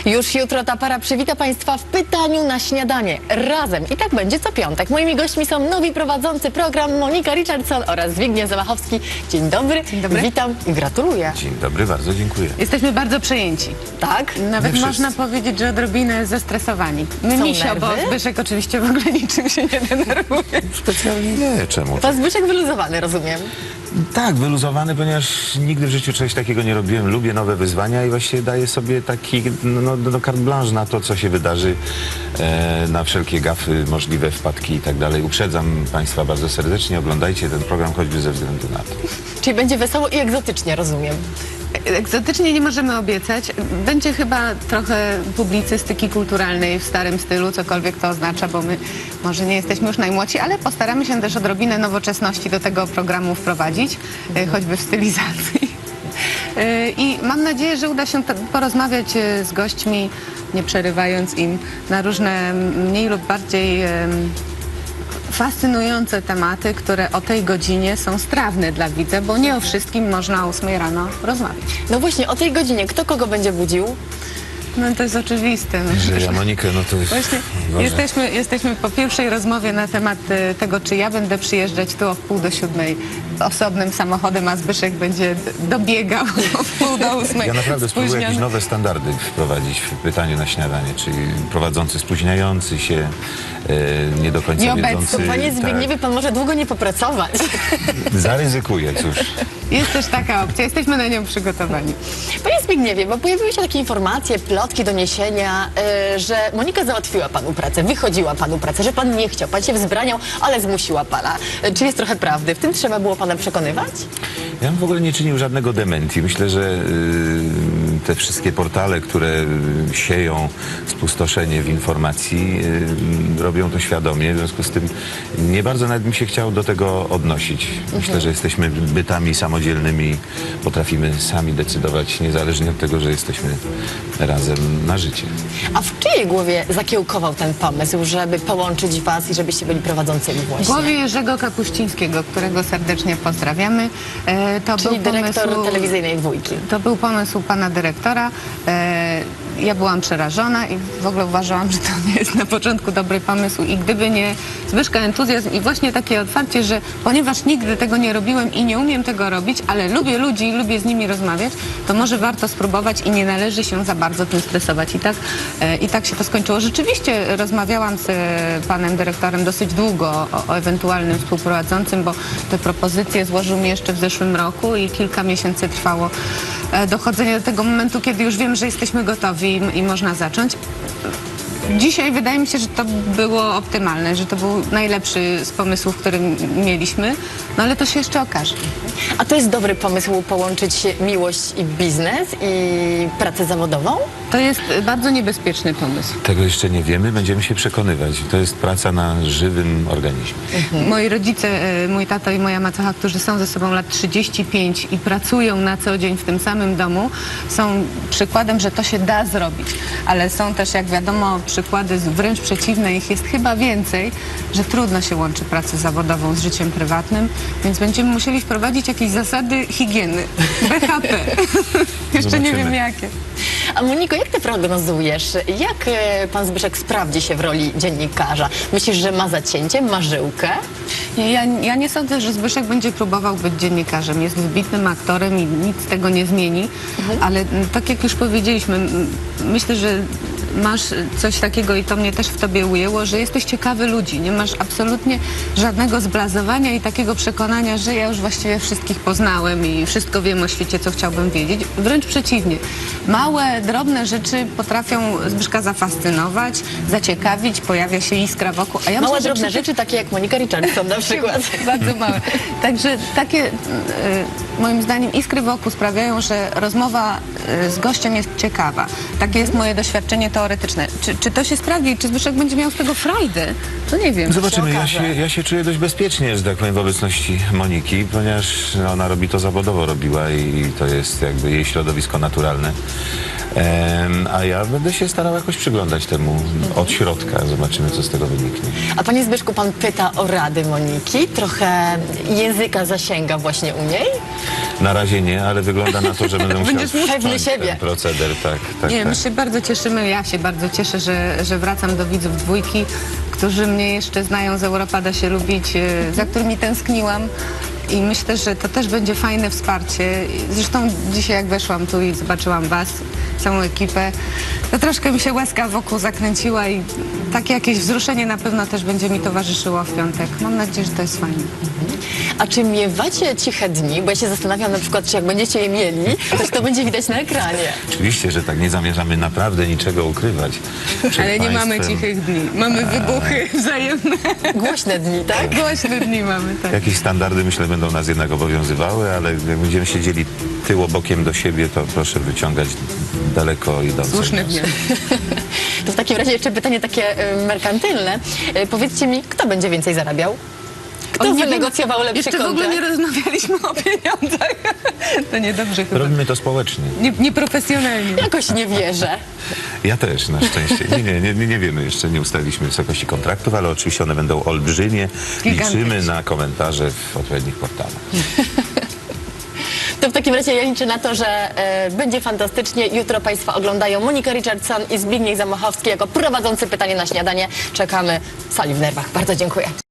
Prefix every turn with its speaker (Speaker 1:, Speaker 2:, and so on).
Speaker 1: Już jutro ta para przywita Państwa w pytaniu na śniadanie. Razem. I tak będzie co piątek. Moimi gośćmi są nowi prowadzący program Monika Richardson oraz Zbigniew Zamachowski. Dzień dobry.
Speaker 2: Dzień dobry.
Speaker 1: Witam i gratuluję.
Speaker 3: Dzień dobry, bardzo dziękuję.
Speaker 2: Jesteśmy bardzo przejęci.
Speaker 1: Tak?
Speaker 2: Nawet
Speaker 3: My
Speaker 2: można
Speaker 3: wszyscy.
Speaker 2: powiedzieć, że odrobinę zestresowani. My
Speaker 1: Są
Speaker 2: misio, bo
Speaker 1: nerwy?
Speaker 2: Zbyszek oczywiście w ogóle niczym się nie denerwuje.
Speaker 3: Specjalnie nie, czemu?
Speaker 1: Pan Zbyszek wyluzowany, rozumiem.
Speaker 3: Tak, wyluzowany, ponieważ nigdy w życiu czegoś takiego nie robiłem. Lubię nowe wyzwania i właściwie daję sobie taki carte blanche na to, co się wydarzy, na wszelkie gafy, możliwe wpadki i tak dalej. Uprzedzam Państwa bardzo serdecznie, oglądajcie ten program choćby ze względu na to.
Speaker 1: Czyli będzie wesoło i egzotycznie, rozumiem.
Speaker 2: Egzotycznie nie możemy obiecać. Będzie chyba trochę publicystyki kulturalnej w starym stylu, cokolwiek to oznacza, bo my może nie jesteśmy już najmłodsi, ale postaramy się też odrobinę nowoczesności do tego programu wprowadzić, choćby w stylizacji. I mam nadzieję, że uda się porozmawiać z gośćmi, nie przerywając im, na różne mniej lub bardziej fascynujące tematy, które o tej godzinie są strawne dla widza, bo nie o wszystkim można o 8 rano rozmawiać.
Speaker 1: No właśnie, o tej godzinie kto kogo będzie budził?
Speaker 2: No to jest oczywiste.
Speaker 3: Że ja Monikę, no to
Speaker 2: Właśnie jesteśmy po pierwszej rozmowie na temat tego, czy ja będę przyjeżdżać tu o 6:45 osobnym samochodem, a Zbyszek będzie dobiegał o 7:30.
Speaker 3: ja naprawdę spróbuję jakieś nowe standardy wprowadzić w pytaniu na śniadanie, czyli prowadzący spóźniający się, nie do końca
Speaker 2: Nieobecny.
Speaker 3: wiedzący.
Speaker 1: Panie Zbigniewie,
Speaker 3: Tak,
Speaker 1: pan może długo nie popracować.
Speaker 3: zaryzykuję, cóż.
Speaker 2: Jest też taka opcja, jesteśmy na nią przygotowani.
Speaker 1: Panie Zbigniewie, bo pojawiły się takie informacje, plotki, doniesienia, że Monika załatwiła panu pracę, wychodziła panu pracę, że pan nie chciał, pan się wzbraniał, ale zmusiła pana. Czy jest trochę prawdy? W tym trzeba było pana przekonywać?
Speaker 3: Ja bym w ogóle nie czynił żadnego dementi. Myślę, że te wszystkie portale, które sieją spustoszenie w informacji, robią to świadomie. W związku z tym nie bardzo nawet mi się chciało do tego odnosić. Myślę, że jesteśmy bytami samodzielnymi, potrafimy sami decydować, niezależnie od tego, że jesteśmy razem na życie.
Speaker 1: A w czyjej głowie zakiełkował ten pomysł, żeby połączyć was i żebyście byli prowadzącymi
Speaker 2: W
Speaker 1: właśnie?
Speaker 2: głowie Jerzego Kapuścińskiego, którego serdecznie pozdrawiamy. To
Speaker 1: Czyli
Speaker 2: był
Speaker 1: dyrektor
Speaker 2: pomysł-
Speaker 1: telewizyjnej Dwójki.
Speaker 2: To był pomysł pana dyrektora. Ja byłam przerażona i w ogóle uważałam, że to nie jest na początku dobry pomysł i gdyby nie Zbyszka entuzjazm i właśnie takie otwarcie, że ponieważ nigdy tego nie robiłem i nie umiem tego robić, ale lubię ludzi i lubię z nimi rozmawiać, to może warto spróbować i nie należy się za bardzo tym stresować. I tak się to skończyło. Rzeczywiście rozmawiałam z panem dyrektorem dosyć długo o ewentualnym współprowadzącym, bo te propozycje złożył mi jeszcze w zeszłym roku i kilka miesięcy trwało dochodzenie do tego momentu, kiedy już wiem, że jesteśmy gotowi i można zacząć. Dzisiaj wydaje mi się, że to było optymalne, że to był najlepszy z pomysłów, który mieliśmy, no ale to się jeszcze okaże.
Speaker 1: A to jest dobry pomysł połączyć miłość i biznes i pracę zawodową?
Speaker 2: To jest bardzo niebezpieczny pomysł.
Speaker 3: Tego jeszcze nie wiemy, będziemy się przekonywać. To jest praca na żywym organizmie.
Speaker 2: Moi rodzice, mój tato i moja macocha, którzy są ze sobą lat 35 i pracują na co dzień w tym samym domu, są przykładem, że to się da zrobić. Ale są też, jak wiadomo, przykłady wręcz przeciwne, ich jest chyba więcej, że trudno się łączy pracę zawodową z życiem prywatnym, więc będziemy musieli wprowadzić jakieś zasady higieny, BHP. Jeszcze nie
Speaker 3: Zobaczymy.
Speaker 2: wiem jakie.
Speaker 1: A Moniko, jak ty prognozujesz? Jak pan Zbyszek sprawdzi się w roli dziennikarza? Myślisz, że ma zacięcie, ma żyłkę?
Speaker 2: Nie, ja nie sądzę, że Zbyszek będzie próbował być dziennikarzem. Jest wybitnym aktorem i nic tego nie zmieni, ale tak jak już powiedzieliśmy, myślę, że masz coś takiego i to mnie też w tobie ujęło, że jesteś ciekawy ludzi. Nie masz absolutnie żadnego zblazowania i takiego przekonania, że ja już właściwie wszystkich poznałem i wszystko wiem o świecie, co chciałbym wiedzieć. Wręcz przeciwnie. Małe, drobne rzeczy potrafią Zbyszka zafascynować, zaciekawić, pojawia się iskra wokół. A ja
Speaker 1: Małe,
Speaker 2: myślę, że
Speaker 1: drobne rzeczy, takie jak Monika Richardson na przykład.
Speaker 2: bardzo małe. Także takie, moim zdaniem, iskry wokół sprawiają, że rozmowa z gościem jest ciekawa. Takie jest moje doświadczenie teoretyczne. Czy to się sprawdzi? Czy Zbyszek będzie miał z tego frajdę? To nie wiem.
Speaker 3: Zobaczymy.
Speaker 1: okaże.
Speaker 3: Ja się czuję dość bezpiecznie, że tak powiem, w obecności Moniki, ponieważ ona robi to zawodowo, robiła i to jest jakby jej środowisko naturalne. A ja będę się starał jakoś przyglądać temu od środka. Zobaczymy, co z tego wyniknie.
Speaker 1: A panie Zbyszku, pan pyta o rady Moniki? Trochę języka zasięga właśnie u niej?
Speaker 3: Na razie nie, ale wygląda na to, że będę musiał
Speaker 1: Będziesz pewny
Speaker 3: wszcząć
Speaker 1: siebie.
Speaker 3: ten proceder. Tak.
Speaker 2: Nie, my się bardzo cieszymy, ja się bardzo cieszę, że wracam do widzów dwójki, którzy mnie jeszcze znają z Europa da się lubić, za którymi tęskniłam. I myślę, że to też będzie fajne wsparcie. Zresztą dzisiaj jak weszłam tu i zobaczyłam was, całą ekipę, to troszkę mi się łezka wokół zakręciła i takie jakieś wzruszenie na pewno też będzie mi towarzyszyło w piątek. Mam nadzieję, że to jest fajne.
Speaker 1: A czy miewacie ciche dni? Bo ja się zastanawiam na przykład, czy jak będziecie je mieli, to będzie widać na ekranie.
Speaker 3: Oczywiście, że tak, nie zamierzamy naprawdę niczego ukrywać. przed
Speaker 2: Ale nie mamy
Speaker 3: państwem.
Speaker 2: cichych dni. Mamy wybuchy wzajemne.
Speaker 1: Głośne dni, tak?
Speaker 2: Głośne dni mamy, tak.
Speaker 3: Jakieś standardy, myślę, będą nas jednak obowiązywały, ale jak będziemy siedzieli tyłobokiem do siebie, to proszę wyciągać daleko idące.
Speaker 2: Słuszny
Speaker 3: wnioski.
Speaker 2: wniosek.
Speaker 1: To w takim razie jeszcze pytanie takie merkantylne. Powiedzcie mi, kto będzie więcej zarabiał? Kto
Speaker 2: nie
Speaker 1: wynegocjował lepszy
Speaker 2: Jeszcze w ogóle
Speaker 1: kontrakt?
Speaker 2: nie rozmawialiśmy o pieniądzach. To niedobrze chyba.
Speaker 3: Robimy to społecznie.
Speaker 2: Nieprofesjonalnie.
Speaker 1: Jakoś nie wierzę.
Speaker 3: Ja też, na szczęście. Nie wiemy, jeszcze nie ustaliliśmy wysokości kontraktów, ale oczywiście one będą olbrzymie.
Speaker 2: Gigantyczne.
Speaker 3: Liczymy na komentarze w odpowiednich portalach.
Speaker 1: To w takim razie ja liczę na to, że będzie fantastycznie. Jutro Państwa oglądają Monika Richardson i Zbigniew Zamachowski jako prowadzący Pytanie na śniadanie. Czekamy w sali w nerwach. Bardzo dziękuję.